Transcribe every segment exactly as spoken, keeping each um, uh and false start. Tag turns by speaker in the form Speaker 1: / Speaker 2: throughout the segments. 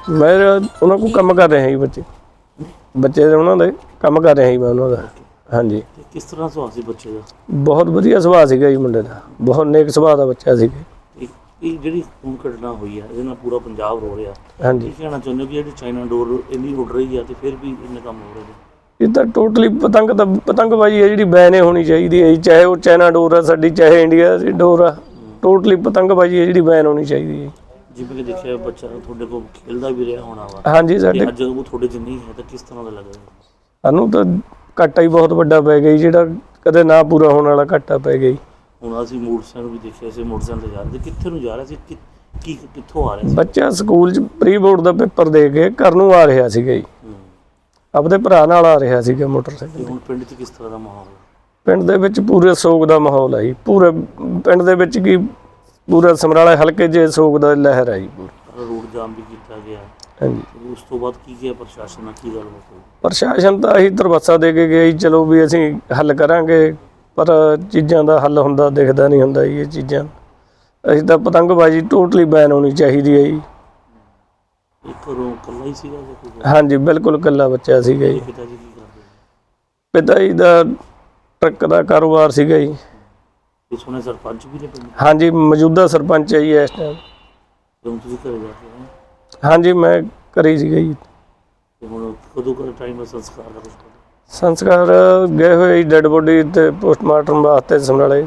Speaker 1: मैं उन्होंने को काम कर रहे हैं जी बच्चे बच्चे उन्होंने काम कर रहे हैं मैं उन्होंने हाँ जी।
Speaker 2: किस तरह सुभाਅ ਸੀ ਬੱਚੇ ਦਾ?
Speaker 1: बहुत वधिया सुभाਅ ਸੀਗਾ जी मुंडे ਦਾ बहुत नेक सुभाਅ ਦਾ ਬੱਚਾ ਸੀ।
Speaker 2: ਇਹ ਜਿਹੜੀ ਹੁਣ ਘਟਨਾ ਹੋਈ ਹੈ ਇਹਦੇ ਨਾਲ ਪੂਰਾ ਪੰਜਾਬ ਰੋ ਰਿਹਾ।
Speaker 1: ਹਾਂਜੀ
Speaker 2: ਕੀ ਕਹਿਣਾ ਚਾਹੁੰਦੇ ਹੋ ਕਿ ਜਿਹੜੀ ਚਾਈਨਾ ਡੋਰ ਇੰਨੀ ਉੱਡ ਰਹੀ ਹੈ ਤੇ ਫਿਰ ਵੀ ਇੰਨੇ ਕੰਮ ਹੋ ਰਹੇ ਨੇ?
Speaker 1: ਇਹ ਤਾਂ ਟੋਟਲੀ ਪਤੰਗ ਤਾਂ ਪਤੰਗਬਾਜ਼ੀ ਹੈ ਜਿਹੜੀ ਬੈਨ ਹੋਣੀ ਚਾਹੀਦੀ ਹੈ ਜੀ, ਚਾਹੇ ਉਹ ਚਾਈਨਾ ਡੋਰ ਆ ਸਾਡੀ ਚਾਹੇ ਇੰਡੀਆ ਦੀ ਡੋਰ ਆ, ਟੋਟਲੀ ਪਤੰਗਬਾਜ਼ੀ ਹੈ ਜਿਹੜੀ ਬੈਨ ਹੋਣੀ ਚਾਹੀਦੀ ਹੈ।
Speaker 2: ਜਿਵੇਂ ਕਿ ਦੇਖਿਆ ਬੱਚਾ ਤੁਹਾਡੇ ਕੋਲ ਖੇਲਦਾ ਵੀ ਰਿਹਾ ਹੋਣਾ ਵਾ।
Speaker 1: ਹਾਂਜੀ ਸਾਡੇ
Speaker 2: ਅੱਜ ਉਹ ਤੁਹਾਡੇ 'ਚ ਨਹੀਂ ਹੈ ਤਾਂ ਕਿਸ ਤਰ੍ਹਾਂ ਦਾ ਲੱਗਦਾ?
Speaker 1: ਸਾਨੂੰ ਤਾਂ ਘਾਟਾ ਹੀ ਬਹੁਤ ਵੱਡਾ ਪੈ ਗਿਆ ਜਿਹੜਾ ਕਦੇ ਨਾ ਪੂਰਾ ਹੋਣ ਵਾਲਾ ਘਾਟਾ ਪੈ ਗਿਆ। ਹੁਣ
Speaker 2: ਅਸੀਂ ਮੋਟਰਸਾਈਕਲ ਵੀ ਦੇਖਿਆ ਸੀ, ਮੋਟਰਸਾਈਕਲ ਤੇ ਜਾ ਰਹੇ ਸੀ, ਕਿੱਥੇ ਨੂੰ ਜਾ ਰਿਹਾ ਸੀ, ਕੀ ਕਿੱਥੋਂ ਆ ਰਿਹਾ ਸੀ?
Speaker 1: ਬੱਚਾ ਸਕੂਲ 'ਚ ਪ੍ਰੀ ਬੋਰਡ ਦਾ ਪੇਪਰ ਦੇ ਕੇ ਘਰ ਨੂੰ ਆ ਰਿਹਾ ਸੀਗਾ ਜੀ, ਆਪਣੇ ਭਰਾ ਨਾਲ ਆ ਰਿਹਾ ਸੀਗਾ ਮੋਟਰਸਾਈਕਲ।
Speaker 2: ਹੁਣ ਪਿੰਡ 'ਚ ਕਿਸ ਤਰ੍ਹਾਂ ਦਾ ਮਾਹੌਲ ਹੈ?
Speaker 1: ਪਿੰਡ ਦੇ ਵਿੱਚ ਪੂਰੇ ਸੋਗ ਦਾ ਮਾਹੌਲ ਹੈ ਜੀ, ਪੂਰੇ ਪਿੰਡ ਦੇ ਵਿੱਚ ਕੀ ਪੂਰਾ ਸਮਰਾਲੇ ਹਲਕੇ 'ਚ ਸੋਗ ਦਾ ਲਹਿਰ ਹੈ ਜੀ ਪੂਰਾ।
Speaker 2: ਰੋਡ ਜਾਮ ਵੀ ਕੀਤਾ ਗਿਆ।
Speaker 1: ਹਾਂਜੀ
Speaker 2: ਉਸ ਤੋਂ ਬਾਅਦ ਕੀ ਗਿਆ ਪ੍ਰਸ਼ਾਸਨ ਨਾਲ, ਕੀ ਗੱਲਬਾਤ ਹੋਈ?
Speaker 1: ਪ੍ਰਸ਼ਾਸਨ ਤਾਂ ਅਸੀਂ ਦਰਵਾਸਾ ਦੇ ਕੇ ਗਏ ਜੀ, ਚਲੋ ਵੀ ਅਸੀਂ ਹੱਲ ਕਰਾਂਗੇ, ਪਰ ਚੀਜ਼ਾਂ ਦਾ ਹੱਲ ਹੁੰਦਾ ਦਿਖਦਾ ਨਹੀਂ ਹੁੰਦਾ ਜੀ ਇਹ ਚੀਜ਼ਾਂ। ਅਸੀਂ ਤਾਂ ਪਤੰਗਬਾਜ਼ੀ ਟੋਟਲੀ ਬੈਨ ਹੋਣੀ ਚਾਹੀਦੀ ਹੈ ਜੀ।
Speaker 2: ਇੱਕ ਘਰੋਂ ਇਕੱਲਾ ਹੀ ਸੀਗਾ ਜਾਂ ਕੋਈ?
Speaker 1: ਹਾਂਜੀ ਬਿਲਕੁਲ ਇਕੱਲਾ ਬੱਚਾ ਸੀਗਾ ਜੀ।
Speaker 2: ਪਿਤਾ ਜੀ ਕੀ ਕਰਦੇ?
Speaker 1: ਪਿਤਾ ਜੀ ਦਾ ਟਰੱਕ ਦਾ ਕਾਰੋਬਾਰ ਸੀਗਾ ਜੀ।
Speaker 2: ਇਹ ਸੁਣਿਆ ਸਰਪੰਚ ਵੀ ਨੇ ਪਿੰਡ?
Speaker 1: ਹਾਂਜੀ ਮੌਜੂਦਾ ਸਰਪੰਚ ਹੈ ਜੀ ਇਸ ਟਾਈਮ।
Speaker 2: ਹੁਣ ਤੁਸੀਂ ਘਰੇ ਜਾ ਕੇ ਆਏ?
Speaker 1: ਹਾਂਜੀ ਮੈਂ ਘਰੇ ਸੀਗਾ ਜੀ।
Speaker 2: ਤੇ ਹੁਣ ਕਦੋਂ ਕਰ ਟਾਈਮ ਦਾ ਸੰਸਕਾਰ ਦਾ ਕੁਛ ਪਤਾ?
Speaker 1: ਸੰਸਕਾਰ ਗਏ ਹੋਏ ਜੀ ਡੈਡ ਬੋਡੀ ਤੇ ਪੋਸਟਮਾਰਟਮ ਵਾਸਤੇ ਸਮਰਾਲੇ।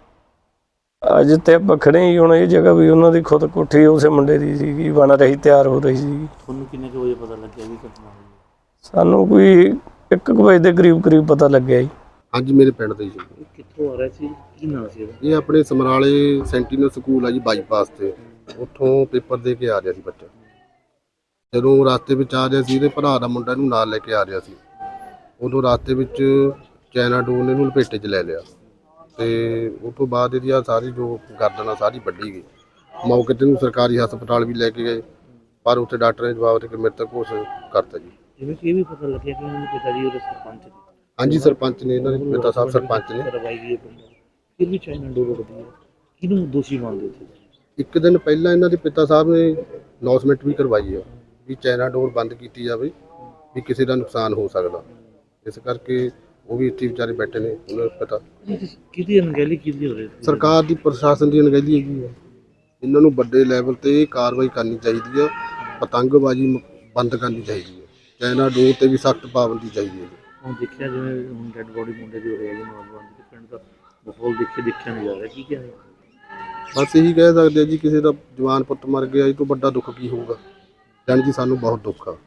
Speaker 1: ਅੱਜ ਤੇ ਆਪਾਂ ਖੜੇ ਹੀ ਹੁਣ ਇਹ ਜਗ੍ਹਾ ਵੀ ਉਹਨਾਂ ਦੀ ਖੁਦ ਕੋਠੀ ਉਸੇ ਮੁੰਡੇ ਦੀ ਸੀਗੀ, ਬਣ ਰਹੀ ਤਿਆਰ ਹੋ ਰਹੀ ਸੀ।
Speaker 2: ਤੁਹਾਨੂੰ ਕਿੰਨੇ ਕੁ ਵਜੇ ਪਤਾ ਲੱਗਿਆ ਵੀ ਘਟਨਾ ਹੋਈ?
Speaker 1: ਸਾਨੂੰ ਕੋਈ ਇੱਕ ਕੁ ਵਜੇ ਦੇ ਕਰੀਬ ਕਰੀਬ ਪਤਾ ਲੱਗਿਆ ਜੀ।
Speaker 3: ਹਾਂਜੀ ਮੇਰੇ ਪਿੰਡ ਦੇ ਜੀ।
Speaker 2: ਕਿੱਥੋਂ ਆ ਰਿਹਾ ਸੀ, ਕੀ ਨਾਂ ਸੀ ਇਹਦਾ?
Speaker 3: ਇਹ ਆਪਣੇ ਸਮਰਾਲੇ ਸੈਂਟੀਨਲ ਸਕੂਲ ਆ ਜੀ ਬਾਈਪਾਸ ਤੇ, ਉੱਥੋਂ ਪੇਪਰ ਦੇ ਕੇ ਆ ਰਿਹਾ ਸੀ ਬੱਚਾ। ਜਦੋਂ ਰਸਤੇ ਵਿੱਚ ਆ ਰਿਹਾ ਸੀ ਇਹਦੇ ਭਰਾ ਦਾ ਮੁੰਡਾ ਇਹਨੂੰ ਨਾਲ ਲੈ ਕੇ ਆ ਰਿਹਾ ਸੀ, ਉਦੋਂ ਰਸਤੇ ਵਿੱਚ ਚਾਈਨਾ ਡੋਰ ਨੇ ਇਹਨੂੰ ਲਪੇਟੇ 'ਚ ਲੈ ਲਿਆ ਤੇ ਉਸ ਤੋਂ ਬਾਅਦ ਇਹਦੀ ਆ ਸਾਰੀ ਜੋ ਗਰਦਨ ਆ ਸਾਰੀ ਵੱਢੀ ਗਈ। ਮੌਕੇ 'ਤੇ ਇਹਨੂੰ ਸਰਕਾਰੀ ਹਸਪਤਾਲ ਵੀ ਲੈ ਕੇ ਗਏ, ਪਰ ਉੱਥੇ ਡਾਕਟਰ ਨੇ ਜਵਾਬ ਦੇ ਕੇ ਮ੍ਰਿਤਕ ਘੋਸ਼ਿਤ ਕਰਤਾ ਜੀ।
Speaker 2: ਜਿਵੇਂ ਕਿ ਇਹ ਵੀ ਪਤਾ ਲੱਗਿਆ ਕਿ ਉਹਨਾਂ ਦੇ ਪਿਤਾ ਜੀ ਉਹਦੇ ਸਰਪੰਚ ਨੇ।
Speaker 3: ਹਾਂਜੀ ਸਰਪੰਚ ਨੇ, ਇਹਨਾਂ ਦੇ ਪਿਤਾ ਸਾਹਿਬ ਸਰਪੰਚ ਨੇ।
Speaker 2: ਕਰਵਾਈ ਗਈ ਹੈ ਪਿੰਡ, ਫਿਰ ਵੀ ਚਾਈਨਾ ਡੋਰ ਉੱਡਦੀ ਹੈ, ਕਿਹਨੂੰ ਦੋਸ਼ੀ ਮੰਨਦੇ ਹੋ?
Speaker 3: ਇੱਕ ਦਿਨ ਪਹਿਲਾਂ ਇਹਨਾਂ ਦੇ ਪਿਤਾ ਸਾਹਿਬ ਨੇ ਅਨਾਉਂਸਮੈਂਟ ਵੀ ਕਰਵਾਈ ਆ ਵੀ ਚਾਈਨਾ ਡੋਰ ਬੰਦ ਕੀਤੀ ਜਾਵੇ, ਵੀ ਕਿਸੇ ਦਾ ਨੁਕਸਾਨ ਹੋ ਸਕਦਾ, ਇਸ ਕਰਕੇ ਉਹ ਵੀ ਇੱਥੇ ਵਿਚਾਰੇ ਬੈਠੇ ਨੇ। ਉਹਨਾਂ ਨੂੰ ਪਤਾ
Speaker 2: ਕਿਹਦੀ ਅਣਗਹਿਲੀ ਕਿਹਦੀ ਹੋ ਰਹੀ?
Speaker 3: ਸਰਕਾਰ ਦੀ, ਪ੍ਰਸ਼ਾਸਨ ਦੀ ਅਣਗਹਿਲੀ ਹੈਗੀ ਹੈ। ਇਹਨਾਂ ਨੂੰ ਵੱਡੇ ਲੈਵਲ ਤੇ ਕਾਰਵਾਈ ਕਰਨੀ ਚਾਹੀਦੀ ਆ, ਪਤੰਗਬਾਜ਼ੀ ਬੰਦ ਕਰਨੀ ਚਾਹੀਦੀ ਹੈ, ਚਾਈਨਾ ਡੋਰ ਤੇ ਵੀ ਸਖਤ ਪਾਬੰਦੀ ਚਾਹੀਦੀ ਹੈ।
Speaker 2: ਹੁਣ ਦੇਖਿਆ ਜਿਵੇਂ ਹੁਣ ਡੈਡ ਬੋਡੀ ਮੁੰਡੇ ਦੀ ਹੋ ਰਹੀ ਹੈ ਜੀ, ਨੌਜਵਾਨ ਦੀ, ਪਿੰਡ ਦਾ ਮਾਹੌਲ ਦੇਖੇ ਦੇਖਿਆ ਨਹੀਂ ਜਾ ਰਿਹਾ, ਕੀ ਕਹਿ ਰਹੇ?
Speaker 3: ਬਸ ਇਹੀ ਕਹਿ ਸਕਦੇ ਆ ਜੀ, ਕਿਸੇ ਦਾ ਜਵਾਨ ਪੁੱਤ ਮਰ ਗਿਆ, ਇਹ ਤੋਂ ਵੱਡਾ ਦੁੱਖ ਕੀ ਹੋਊਗਾ। ਜਾਣੀ ਜੀ ਸਾਨੂੰ ਬਹੁਤ ਦੁੱਖ ਆ।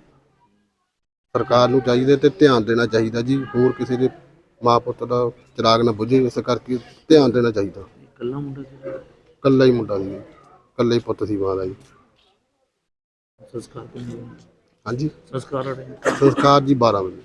Speaker 3: ਸਰਕਾਰ ਨੂੰ ਚਾਹੀਦਾ ਤੇ ਧਿਆਨ ਦੇਣਾ ਚਾਹੀਦਾ ਜੀ, ਹੋਰ ਕਿਸੇ ਦੇ ਮਾਂ ਪੁੱਤ ਦਾ ਚਿਰਾਗ ਨਾ ਬੁਝੇ, ਇਸ ਕਰਕੇ ਧਿਆਨ ਦੇਣਾ ਚਾਹੀਦਾ।
Speaker 2: ਇਕੱਲਾ ਮੁੰਡਾ ਸੀ?
Speaker 3: ਇਕੱਲਾ ਹੀ ਮੁੰਡਾ ਸੀ, ਇਕੱਲਾ ਹੀ ਪੁੱਤ ਸੀ ਮਾਂ ਦਾ ਜੀ।
Speaker 2: ਸੰਸਕਾਰ ਕਿੰਨੇ?
Speaker 3: ਹਾਂਜੀ
Speaker 2: ਸੰਸਕਾਰ
Speaker 3: ਸੰਸਕਾਰ ਜੀ ਬਾਰਾਂ ਵਜੇ।